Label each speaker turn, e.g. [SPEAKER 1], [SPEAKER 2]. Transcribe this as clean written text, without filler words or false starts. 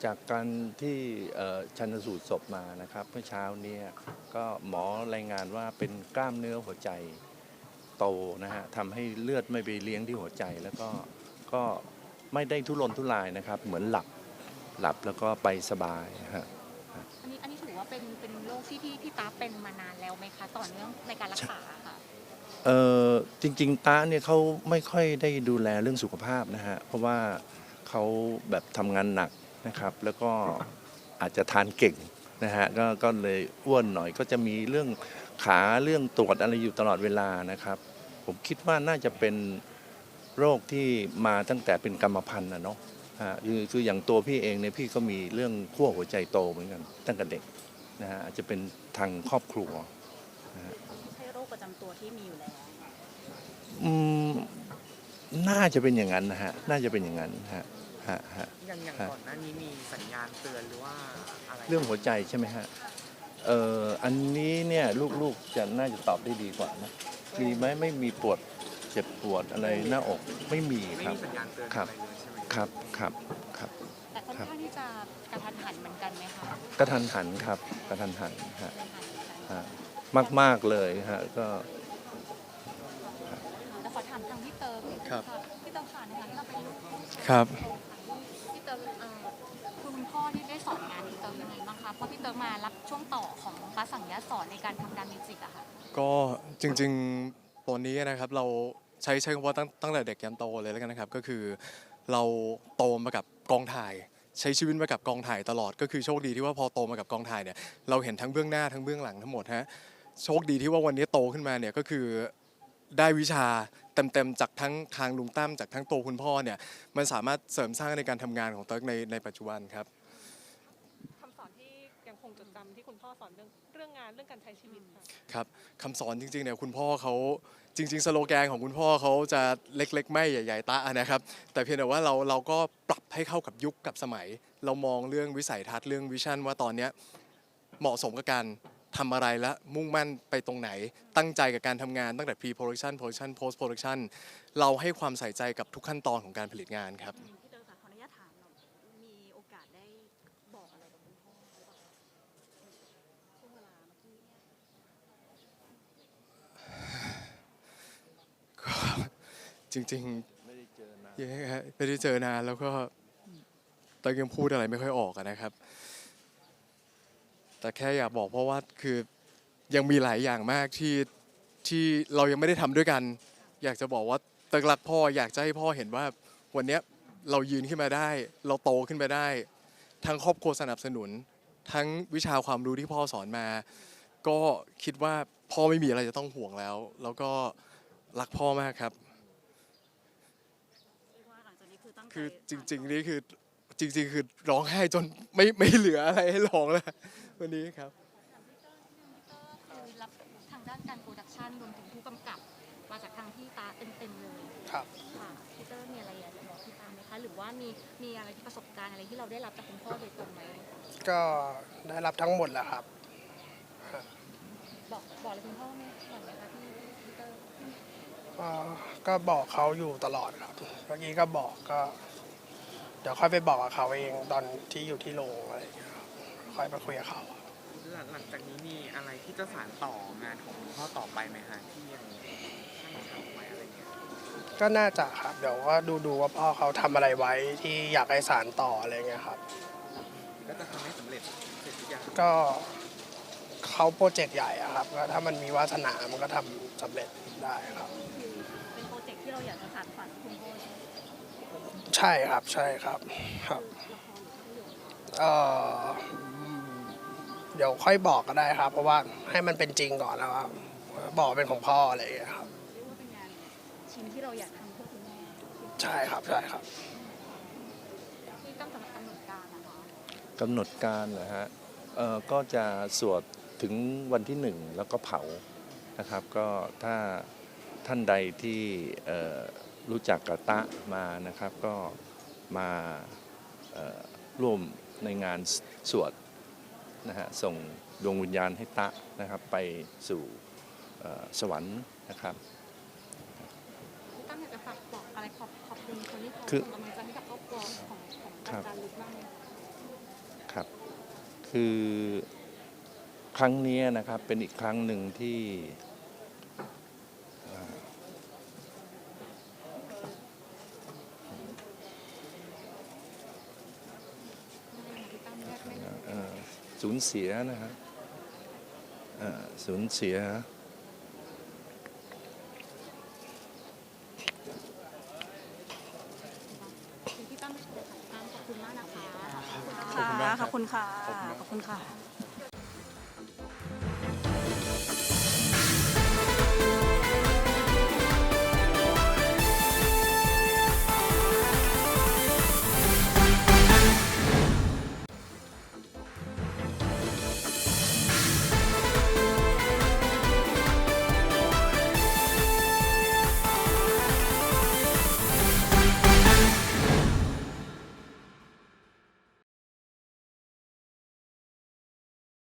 [SPEAKER 1] จากการที่ชันสูตรศพมานะครับเมื่อเช้านี้ก็หมอรายงานว่าเป็นกล้ามเนื้อหัวใจโตนะฮะทำให้เลือดไม่ไปเลี้ยงที่หัวใจแล้วก็ไม่ได้ทุรนทุรายนะครับเหมือนหลับแล้วก็ไปสบายฮะ
[SPEAKER 2] อันนี้ถือว่าเป็นโรคที่พี่ตาเป็นมานานแล้วไหมคะต่อเนื่องในการรักษาค่ะ
[SPEAKER 1] จริงๆตาเนี่ยเขาไม่ค่อยได้ดูแลเรื่องสุขภาพนะฮะเพราะว่าเขาแบบทำงานหนักนะครับแล้วก็อาจจะทานเก่งนะฮะก็เลยอ้วนหน่อยก็จะมีเรื่องขาเรื่องตรวจอะไรอยู่ตลอดเวลานะครับผมคิดว่าน่าจะเป็นโรคที่มาตั้งแต่เป็นกรรมพันธุ์นะเนาะคืออย่างตัวพี่เองเนี่ยพี่ก็มีเรื่องขั้วหัวใจโตเหมือนกันตั้งแต่เด็กนะฮะอาจจะเป็นทางครอบครัวนะฮะ
[SPEAKER 2] ไม่ใช่โรคประจำตัวที่มีอยู่แล้ว
[SPEAKER 1] อืมน่าจะเป็นอย่างนั้นนะฮะน่าจะเป็นอย่างนั้นฮะ
[SPEAKER 3] อย่างก่อนหน้านี้มีสัญญาณเตือนหรือว่าอะไร
[SPEAKER 1] เรื่องหัวใจใช่ไหมฮะอันนี้เนี่ยลูกๆจะน่าจะตอบได้ดีกว่านะมีไหมไม่มีปวดเจ็บปวดอะไรหน้าอกไม่มีครับ
[SPEAKER 3] สัญญาณเตือน
[SPEAKER 1] ครับ
[SPEAKER 3] อะไรเลยใช่ไหม
[SPEAKER 1] ครับ
[SPEAKER 2] แต่ค่อนข้างที่จะกระทันหันเหมือนกันไหมคะ
[SPEAKER 1] กระทันหันครับกระทันหันฮะมากเลยฮะก็
[SPEAKER 2] แต่ขอถามทางพี่เติร์ก
[SPEAKER 4] ครับ
[SPEAKER 2] พี่เติร์กค่ะในฐานะที่เราเป็นลูก
[SPEAKER 4] ครับ
[SPEAKER 2] พี่เติร์กคุณพ่อที่ได้สอนงานพี่เติร์กยังไงบ้างคะเพราะพี่เติร์กมารับช่วงต่อของป้าสังยาสอนในการทำการมิวสิกอะค่ะ
[SPEAKER 4] ก็จริงๆตัวนี้นะครับเราใช้คำว่าตั้งแต่เด็กยันโตเลยแล้วกันนะครับก็คือเราโตมากับกองถ่ายใช้ชีวิตมากับกองถ่ายตลอดก็คือโชคดีที่ว่าพอโตมากับกองถ่ายเนี่ยเราเห็นทั้งเบื้องหน้าทั้งเบื้องหลังทั้งหมดฮะโชคดีที่ว่าวันนี้โตขึ้นมาเนี่ยก็คือได้วิชาเต็มๆจากทั้งทางลุงตั้มจากทั้งตัวคุณพ่อเนี่ยมันสามารถเสริมสร้างในการทำงานของเติร์กในปัจจุบันครับ
[SPEAKER 5] คำสอนที่ยังคงจดจำที่คุณพ่อสอนเรื่องงานเรื่องการใช้ชีวิตค่ะ
[SPEAKER 4] ครับคำสอนจริงๆเนี่ยคุณพ่อเขาจริงๆสโลแกนของคุณพ่อเขาจะเล็กๆไม่ใหญ่ๆตะนะครับแต่เพียงแต่ว่าเราก็ปรับให้เข้ากับยุคกับสมัยเรามองเรื่องวิสัยทัศน์เรื่องวิชั่นว่าตอนนี้เหมาะสมกับการทำอะไรและมุ่งมั่นไปตรงไหนตั้งใจกับการทำงานตั้งแต่ pre-production production post production เราให้ความใส่ใจกับทุกขั้นตอนของการผลิตงานครับ
[SPEAKER 2] พี่เติร์กขออนุญาตถามเรามีโอกาสได้บอกอะไรกับคุณพ่อหรือเปล่าช่วงเวลาเมื่อกี้
[SPEAKER 4] จริงๆไม่ได้เจอนานแล้วก็ตอนยังพูดอะไรไม่ค่อยออกนะครับแต่แค่อยากบอกเพราะว่าคือยังมีหลายอย่างมากที่เรายังไม่ได้ทำด้วยกันอยากจะบอกว่าเติร์กรักพ่ออยากจะให้พ่อเห็นว่าวันนี้เรายืนขึ้นมาได้เราโตขึ้นมาได้ทั้งครอบครัวสนับสนุนทั้งวิชาความรู้ที่พ่อสอนมาก็คิดว่าพ่อไม่มีอะไรจะต้องห่วงแล้วก็รักพ่อมากครับคือจริงๆนี่คือจริงๆคือร้องไห้จนไม่เหลืออะไรให้ร้องแล้ววันนี้ครับ
[SPEAKER 2] คือรับทางด้านการโปรดักชันรวมถึงผู้กำกับมาจากทางพี่ตาเต็มๆเลย
[SPEAKER 3] ครับ
[SPEAKER 2] ค่ะพี่เตอร์มีอะไรอยากจะบอกพี่ตาไหมคะหรือว่ามีอะไรที่ประสบการณ์อะไรที่เราได้รับจากคุณพ่อโดยตรงไหม
[SPEAKER 3] ก็ได้รับทั้งหมดแหละครับ
[SPEAKER 2] บอกอะไรคุณพ่อไหมก่อนไหมคะพี่เตอร์
[SPEAKER 3] ก็บอกเขาอยู่ตลอดครับเมื่อกี้ก็บอกก็เดี๋ยวค่อยไปบอกกับเขาเองตอนที่อยู่ที่โรงอะไรอย่างเงี้ยครับค่อยไปคุยกับเขา
[SPEAKER 6] หลังจากนี้มีอะไรที่จะสานต่องานของคุณพ่อต่อไปไหมฮะที่ยังตั้งทำไว้อะไรเงี้ย
[SPEAKER 3] ก็น่าจะครับเดี๋ยวก็ดูว่าพ่อเขาทำอะไรไว้ที่อยากให้สานต่ออะไรเงี้ยครับ
[SPEAKER 6] ก็จะทำให้สำเร็จเสร็จทุกอย่าง
[SPEAKER 3] ก็เขาโปรเจกต์ใหญ่อะครับก็ถ้ามันมีวาสนามันก็ทำสำเร็จได้ครับ
[SPEAKER 2] เป็นโปรเจกต์ที่เราอยากจะสานฝันคุณพ่อ
[SPEAKER 3] ใช่ครับใช่ครับครับเอ่อเดี๋ยวค่อยบอกก็ได้ครับเพราะว่าให้มันเป็นจริงก่อนแล้วครับบอกเป็นของพ่ออะไรอย่างเงี้ยครับ
[SPEAKER 2] เรียกว่าเป็นงานชิ้นที่เราอยากทำเพื่อคุณแม่
[SPEAKER 3] ใช่ครับใช่ครับ
[SPEAKER 2] ที่ต้องกำหนดการนะคะ
[SPEAKER 1] กำหนดการเหรอฮะก็จะสวดถึงวันที่1แล้วก็เผานะครับก็ถ้าท่านใดที่รู้จักกับตะมานะครับก็มาร่วมในงานสวดนะฮะส่งดวงวิญญาณให้ตะนะครับไปสู่สวรรค์นะครับ
[SPEAKER 2] ตั้งอยากจะฝากบอกอะไรขอบคุณคนที่เขาส่งกำลังใจให้กับครอบครัวของอาจารย์ลุกบ้างไหมคะ
[SPEAKER 1] คือครั้งนี้นะครับเป็นอีกครั้งหนึ่งที่สูญเสียนะฮะสูญเสีย
[SPEAKER 2] พี่ตั้มขอบคุณมากนะคะ
[SPEAKER 4] ขอบคุณมากครับ
[SPEAKER 7] ขอบคุณค่ะ
[SPEAKER 4] ขอบคุณมาก
[SPEAKER 7] ขอบคุณค่ะ